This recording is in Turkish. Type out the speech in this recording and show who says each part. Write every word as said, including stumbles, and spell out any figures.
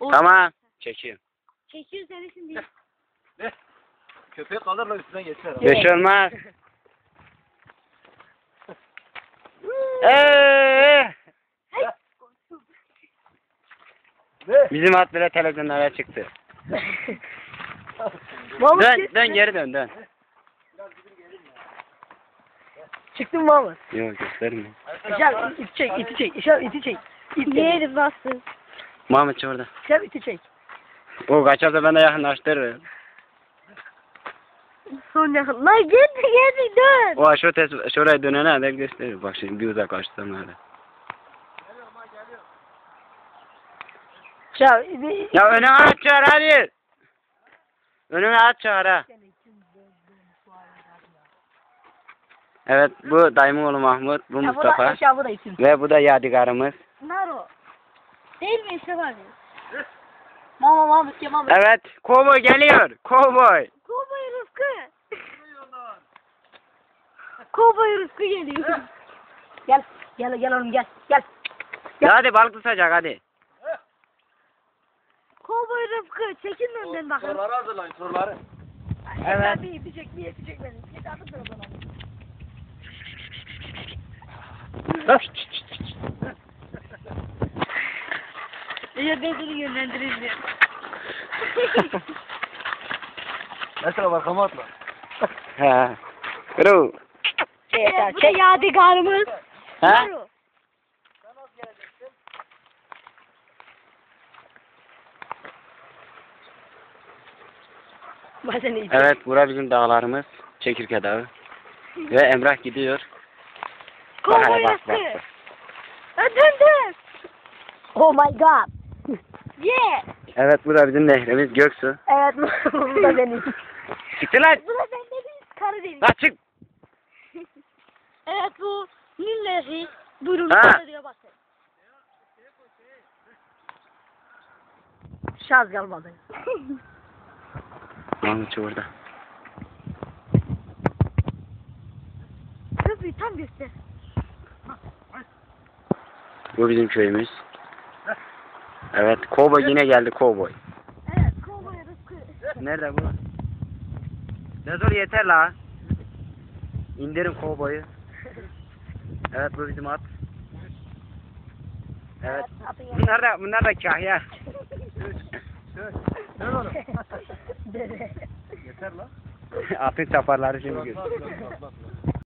Speaker 1: Tamam. Çekiyorum.
Speaker 2: Çekiyor seni şimdi.
Speaker 3: Ne? Köpek kalırla üstüne geçer.
Speaker 1: Bir şey olmaz. Eee.
Speaker 3: Ne?
Speaker 1: Bizim at bile televizyonlara çıktı.
Speaker 4: Mahmut
Speaker 1: Dön,
Speaker 4: çık-
Speaker 1: dön geri dön, dön.
Speaker 4: Çıktın mı Mahmut?
Speaker 1: Yok göstermiyor.
Speaker 4: İşaret iti çek, iti çek, işaret iti çek. İt
Speaker 2: Yeri bastın.
Speaker 1: Mahmut orada.
Speaker 4: İşaret iti çek.
Speaker 1: O kaçarsa ben de yakınlaştırırım.
Speaker 2: Son yakın. Lan geldi geldi dön.
Speaker 1: O şu tes şuraya dönene kadar gösterir. Bak şimdi bir uzaklaştırsam öyle.
Speaker 4: Ya,
Speaker 1: Ya önüne at çağır hadi. Önüne at çağır ha. Evet bu dayımın oğlu Mahmut, bu
Speaker 4: ya bu da
Speaker 1: Mustafa
Speaker 4: aşağı bu da isim.
Speaker 1: ve bu da Yadigar'ımız.
Speaker 2: Naro. Değil mi işte abi?
Speaker 4: Mama Mahmut ya Mahmut.
Speaker 1: Evet, kovboy geliyor. Kovboy.
Speaker 2: Kovboy Rıfkı. Kovboy Rıfkı geliyor.
Speaker 4: Gel, gel gel oğlum gel, gel.
Speaker 1: Ya hadi balık tutacak hadi.
Speaker 2: Kovboy Rıfkı çekin önden bakın.
Speaker 3: Soruları hazırlayın soruları.
Speaker 4: Evet. Bir iti çek, bir iti çek beni. Git artık da o zaman.
Speaker 2: Ya ben seni yönlendireceğim.
Speaker 3: Mesela arkama atla.
Speaker 1: Ha. Kuru.
Speaker 4: Yeter,
Speaker 2: Bu da
Speaker 4: çek.
Speaker 2: yadigarımız.
Speaker 1: Ha?
Speaker 2: Naro.
Speaker 4: Ben seni iti.
Speaker 1: Evet, bura bizim dağlarımız. Çekirge Dağı. Ve Emrah gidiyor. Bak
Speaker 2: Kovboy
Speaker 1: hele bak
Speaker 2: Rıfkı.
Speaker 1: bak.
Speaker 2: Ha, dön dön.
Speaker 4: Oh my god.
Speaker 2: Yeah.
Speaker 1: Evet, bu da bizim nehrimiz Göksu.
Speaker 4: Evet, bu da benim.
Speaker 1: Çıktı lan.
Speaker 2: Bu da bende bir Karadeniz.
Speaker 1: Lan çık.
Speaker 2: Evet bu Nilleri. Buyurun
Speaker 1: Ha.
Speaker 2: diyor bakın.
Speaker 4: Şaz kalmadı.
Speaker 1: Mahmut orada.
Speaker 2: Köprüyü tam göster.
Speaker 1: Bu bizim köyümüz. Evet, kovboy yine geldi kovboy.
Speaker 2: Evet Kovboy Rıfkı.
Speaker 1: Nerede bu? Nezor yeter la. İndirin kovboyu. Evet bu bizim at. Evet. Bunlar da bunlar da kahya.
Speaker 3: Dön oğlum.
Speaker 4: Dede.
Speaker 3: Yeter lan.
Speaker 1: Atın çaparları şimdi
Speaker 3: Atla,
Speaker 1: gör.
Speaker 3: atla, atla, atla.